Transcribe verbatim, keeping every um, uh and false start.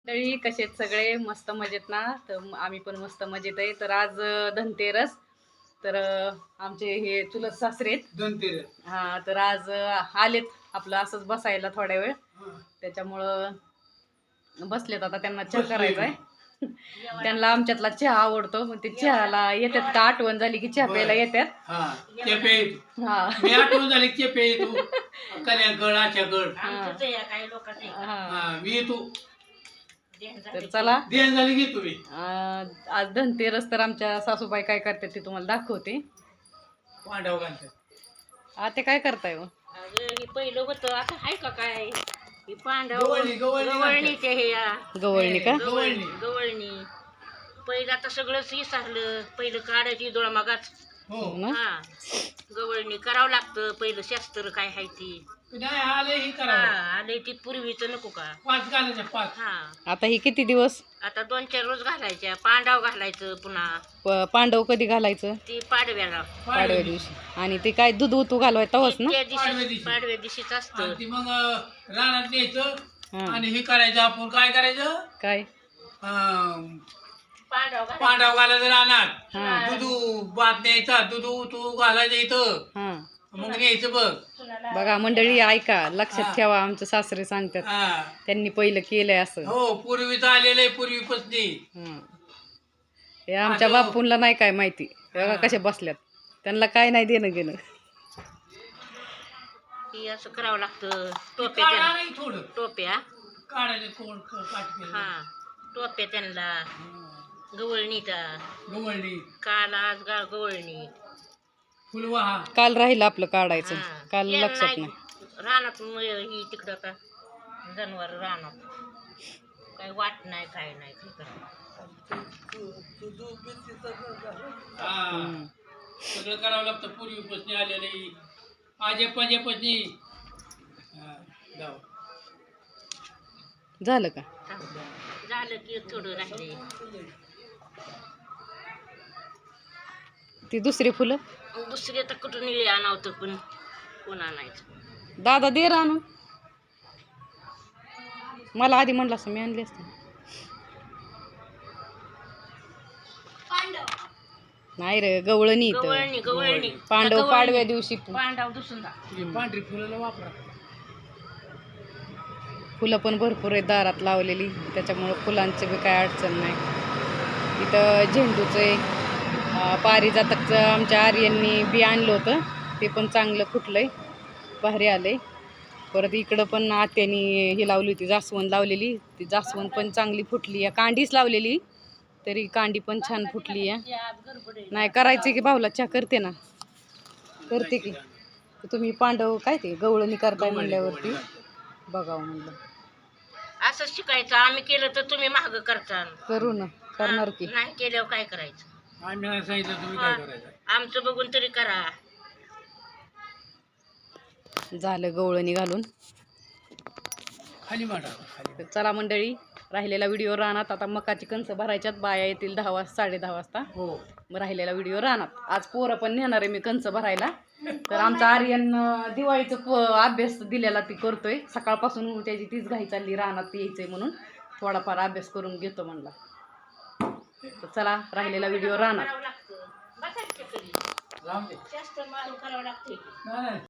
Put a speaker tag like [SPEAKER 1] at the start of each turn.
[SPEAKER 1] तरी कसे सगळे मस्त मजेत ना. तर आम्ही पण मस्त मजेत आहे. तर आज धनतेरस, तर आमचे हे चुलत सासरे
[SPEAKER 2] धनतेरस
[SPEAKER 1] हा, तर आज आलेत आपलं असंच बसायला थोड्या वेळ. त्याच्यामुळं बसलेत. आता त्यांना चहा करायचा आहे. त्यांना आमच्यातला चहा आवडतो, मग ते चहाला येतात का आठवण झाली की चहा प्यायला येतात.
[SPEAKER 2] हा चेपे
[SPEAKER 1] हा
[SPEAKER 2] मी आठवण झाली चेपे तू कन्या गड आच्या गड
[SPEAKER 1] हा
[SPEAKER 2] मी तू
[SPEAKER 1] तर चला
[SPEAKER 2] देण झाली की तुम्ही.
[SPEAKER 1] आज धनतेरस, तर आमच्या सासूबाई काय करतात ते तुम्हाला दाखवते.
[SPEAKER 2] पांडव घालतात.
[SPEAKER 1] आता काय करताय हो?
[SPEAKER 3] हे पहिलं होतं, आता आहे का काय? ही पांडव
[SPEAKER 2] गवळणी गवळणी
[SPEAKER 3] गवळणीचे हे या
[SPEAKER 1] गवळणी का?
[SPEAKER 3] गवळणी गवळणी पहिलं आता सगळंच विसरलं. पहिलं काढायची डोळा मागाच.
[SPEAKER 2] हो
[SPEAKER 3] हा गवळणी करावं लागतं. पहिलं शास्त्र काय आहे ती
[SPEAKER 2] नाही आले ही
[SPEAKER 3] हा
[SPEAKER 2] करा
[SPEAKER 3] आले ती पूर्वीच नको का?
[SPEAKER 2] पाच घालायच्या पाच.
[SPEAKER 3] हा
[SPEAKER 1] आता ही किती दिवस?
[SPEAKER 3] आता दोन चार रोज घालायच्या. पांडव घालायचं पुन्हा
[SPEAKER 1] प- पांडव कधी घालायचं?
[SPEAKER 3] ती पाडव्याला
[SPEAKER 1] पाडव्या दिवशी. आणि ते काय दूध उतू घालवाय तवच ना?
[SPEAKER 3] त्या
[SPEAKER 2] पाडव्या
[SPEAKER 3] दिवशी
[SPEAKER 2] दिवशी.
[SPEAKER 3] पाडव्या दिवशीच असतं.
[SPEAKER 2] आणि ती मग रानात न्यायचं
[SPEAKER 1] हा.
[SPEAKER 2] आणि हे करायचं. आपण काय करायचं
[SPEAKER 1] काय?
[SPEAKER 2] अं,
[SPEAKER 3] पांडव घालायचं.
[SPEAKER 2] पांडव घालायचं रानात.
[SPEAKER 1] हा
[SPEAKER 2] दुधू भात न्यायचा. दुधू तू घालायचं इथं.
[SPEAKER 1] हा
[SPEAKER 2] मग न्यायचं बघ.
[SPEAKER 1] बघा मंडळी, ऐका, लक्षात ठेवा, आमचे सासरे सांगतात
[SPEAKER 2] हा
[SPEAKER 1] त्यांनी पहिलं केलंय असं.
[SPEAKER 2] हो पूर्वीच आलेलं आहे पूर्वीपासनी.
[SPEAKER 1] हं. हे आमच्या
[SPEAKER 2] असं-
[SPEAKER 1] बापूंला नाही काय माहिती. बघा
[SPEAKER 2] हा.
[SPEAKER 1] कसे बसल्यात, त्यांना काय नाही देणं घेणं.
[SPEAKER 3] ही असं करावं लागतं. टोप्या
[SPEAKER 2] काढा
[SPEAKER 3] त्यांना
[SPEAKER 2] नाही थोडं
[SPEAKER 3] टोप्या
[SPEAKER 2] काढायचं कोण काट
[SPEAKER 3] हा टोप्या त्यांना गवळणीचा
[SPEAKER 2] गवळणी
[SPEAKER 3] काल आज गा गवळणी
[SPEAKER 2] फुलवाहा.
[SPEAKER 1] काल राहिलं आपलं काढायचं,
[SPEAKER 3] हा.
[SPEAKER 1] काल
[SPEAKER 3] येण
[SPEAKER 1] लक्षात
[SPEAKER 3] नाही.
[SPEAKER 1] नाही.
[SPEAKER 3] रानात म- ही तिकडं का जनावर रानात काय वाट नाही काय नाही काय करावं.
[SPEAKER 2] हा.
[SPEAKER 1] हं.
[SPEAKER 2] सगळं करावं लागतं पूर्वीपासनी आलेलं आहे. आजे पंजेपासनी
[SPEAKER 1] झालं का?
[SPEAKER 3] झालं की थोडं राहिले.
[SPEAKER 1] ती दुसरी फुलं
[SPEAKER 3] दुसरे तर कुठून निळे आणावतं, पण कोण आणायचं?
[SPEAKER 1] दादा दे रानू, मला आधी म्हणलं असं मी आणली असते. नाही रे, गवळणी इथं.
[SPEAKER 3] गवळणी गवळणी
[SPEAKER 1] पांडव
[SPEAKER 3] गवळणी.
[SPEAKER 1] पाडव्या दिवशी
[SPEAKER 3] पांडव दुसून
[SPEAKER 2] पांढरी फुलं वापरा.
[SPEAKER 1] फुलं पण भरपूर आहेत दारात लावलेली, त्याच्यामुळं फुलांची बी काय अडचण नाही. इथं झेंडूचं आहे, अं, पारिजातकचं आमच्या आर्यांनी बी आणलं होतं, ते पण चांगलं फुटलंय, भारी आलंय. परत इकडं पण आत्यानी ही लावली होती, जास्वंद लावलेली, ती जास्वंद पण चांगली फुटली आहे. कांडीच लावलेली तरी कांडी पण छान फुटली आहे. नाही करायची की भाऊला चहा करते ना, करते की. तुम्ही पांडव काय ते गवळणी करताय म्हणल्यावरती बघावं म्हणलं.
[SPEAKER 3] असं शिकायचं. आम्ही केलं तर तुम्ही मागं करता.
[SPEAKER 1] करू ना, करणार की.
[SPEAKER 3] नाही केल्यावर काय करायचं?
[SPEAKER 2] आम्ही नाही सांगितलं तुम्ही काय करायचं.
[SPEAKER 3] आमचं बघून तरी करा.
[SPEAKER 1] झालं गवळणी घालून.
[SPEAKER 2] खाली मांडा खाली.
[SPEAKER 1] तर चला मंडळी, राहिलेला व्हिडिओ रानात. आता मकाची कणसं भरायच्यात, बाया येतील दहा वाजता साडे दहा वाजता.
[SPEAKER 2] हो
[SPEAKER 1] मग राहिलेला व्हिडिओ रानात. आज पोरं पण नेणार आहे मी कणसं भरायला. तर आमचा आर्यन अं, दिवाळीचं प अभ्यास दिलेला ती करतोय सकाळपासून. त्याची तीच घाई चालली, रानात यायचंय म्हणून थोडाफार अभ्यास करून घेतो म्हणला. तर चला, राहिलेला व्हिडिओ रानात.
[SPEAKER 3] करावं लागतं. बसायचं कधी
[SPEAKER 2] लांब दे.
[SPEAKER 3] जास्त मारून करावं लागतं.
[SPEAKER 2] नाही, नाही.